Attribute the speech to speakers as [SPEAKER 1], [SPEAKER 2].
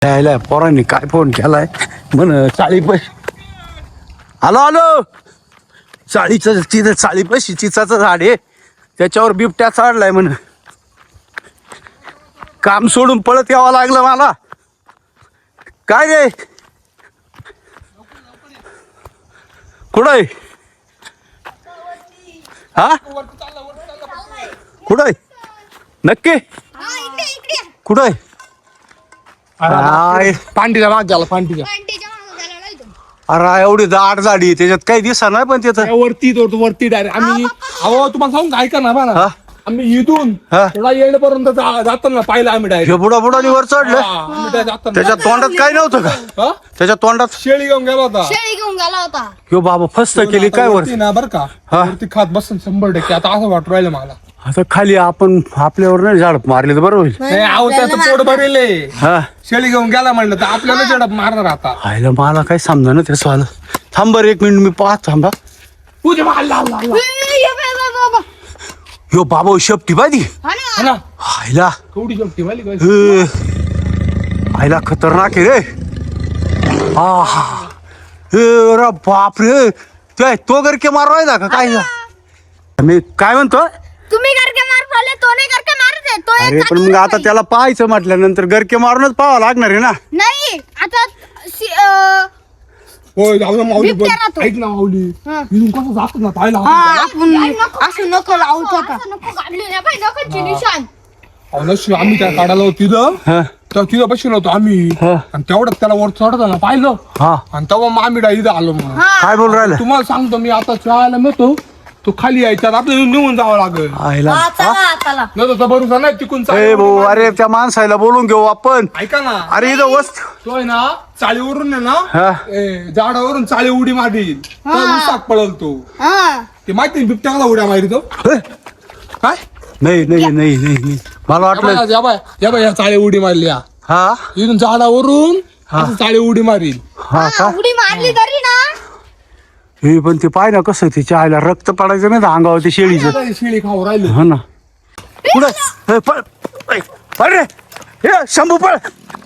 [SPEAKER 1] यायला पोरांनी काय फोन केलाय म्हण चाळी पैसे आलो आलो चाळीचं तिथं चाळी पैसे चिचाचं झाड आहे त्याच्यावर बिबट्या चढलाय म्हण काम सोडून पळत यावं लागलं मला काय रे कुठं आहे हा कुठं आहे नक्की कुठं आहे
[SPEAKER 2] पांडीच्या माग झाला पांडीच्या
[SPEAKER 1] अरे एवढी दाट झाडी त्याच्यात काही दिसा नाही पण तिथं
[SPEAKER 2] वरती डायरेक्ट आम्ही अहो तुम्हाला सांगू ऐका ना बा
[SPEAKER 1] हा?
[SPEAKER 2] ना आम्ही इथून
[SPEAKER 1] हा?
[SPEAKER 2] थोडा येण्यापर्यंत जाताना पाहिलं आम्ही डायरेक्ट
[SPEAKER 1] हे बुडा बुडानी वर चढलं त्याच्या तोंडात काय नव्हतं का त्याच्या तोंडात
[SPEAKER 2] शेळी घेऊन गेला होता
[SPEAKER 3] शेळी घेऊन गेला होता
[SPEAKER 1] ह्यो बाबा फस्त केली काय वर
[SPEAKER 2] वरती ना बरं का
[SPEAKER 1] हा?
[SPEAKER 2] वरती खात बसून 100% आता असं वाटू राहिलं मला
[SPEAKER 1] आता खाली आपण आपल्यावर नाही झाड मारले तर बरं होईल
[SPEAKER 2] नाही अहो त्याचं पोट भरेले
[SPEAKER 1] हा
[SPEAKER 2] शेळी घेऊन गेला म्हणलं तर आपल्याला झडप मारणार आता
[SPEAKER 1] आयला मला काय समजा ना त्याचं आलं थांब बरं 1 मिनिट मी पाहत थांबा
[SPEAKER 2] तुझे मारला
[SPEAKER 1] ह्यो बाबा शेपटी पाहिजे
[SPEAKER 2] ना
[SPEAKER 1] आयला
[SPEAKER 2] कवडी शेपटी वाली काय
[SPEAKER 1] आयला खतरनाक आहे रे हा रे बाप रे तो गरके मारवायचा का काय मी काय म्हणतो
[SPEAKER 3] तुम्ही करके मार पाले तो नाही करके मारत आहे तो
[SPEAKER 1] अरे पण मग आता त्याला पाहायचं म्हटल्यानंतर गरके मारूनच पाहावं लागणार आहे ना
[SPEAKER 3] नाही आता
[SPEAKER 2] होय जाऊ ना माऊली
[SPEAKER 3] बिबट्या राहतो.
[SPEAKER 2] पण ऐक ना माऊली
[SPEAKER 3] हा.
[SPEAKER 2] इथून कसं जात ना पाहिला
[SPEAKER 3] आपण असं नको लावतो आता नको काढले ना भाई नको निशान
[SPEAKER 2] नशी आम्ही त्या काढायला होतो तिथं
[SPEAKER 1] हा
[SPEAKER 2] तर तिथं बसलो होतो आम्ही
[SPEAKER 1] हा.
[SPEAKER 2] आणि तेवढ्यात त्याला वर चढताना पाहिलं
[SPEAKER 1] हा
[SPEAKER 2] आणि तेव्हा मग आम्ही इथं आलो मग
[SPEAKER 1] काय बोल राहिलं
[SPEAKER 2] तुम्हाला सांगतो मी आता चहाला मिळतो तो खाली यायच्यात आपल्याला निघून जावं लागेल
[SPEAKER 1] आयला
[SPEAKER 3] चला
[SPEAKER 2] न तसा भरोसा नाही तिकून
[SPEAKER 1] ए
[SPEAKER 2] चाली
[SPEAKER 1] भाऊ
[SPEAKER 2] उडी
[SPEAKER 1] अरे त्या माणसाला बोलून घेऊ आपण
[SPEAKER 2] ऐका ना
[SPEAKER 1] अरे इथं वस्त
[SPEAKER 2] तो आहे ना चाळीवरून आहे
[SPEAKER 1] हा.
[SPEAKER 2] ना झाडावरून चाळी उडी मारील तर उसाक पळल तो
[SPEAKER 3] हा
[SPEAKER 2] ते माहिती आहे बिबट्याला उड्या मारी तो
[SPEAKER 1] हे?
[SPEAKER 2] काय
[SPEAKER 1] नाही नाही नाही नाही नाही. मला वाटलं
[SPEAKER 2] या बाय या चाळी उडी मारली या
[SPEAKER 1] हा
[SPEAKER 2] इथून झाडावरून
[SPEAKER 1] हा.
[SPEAKER 2] असं चाळी उडी मारील
[SPEAKER 1] हा का
[SPEAKER 3] उडी मारली तरी ना
[SPEAKER 1] हे पण ते पाय ना कसं तिच्या आईला रक्त पडायचं नाही ना अंगावर ते शेळीचं
[SPEAKER 2] शिळी खाऊ राहिली
[SPEAKER 1] हा ना पुढे पळ पळ रे हे शंभू पळ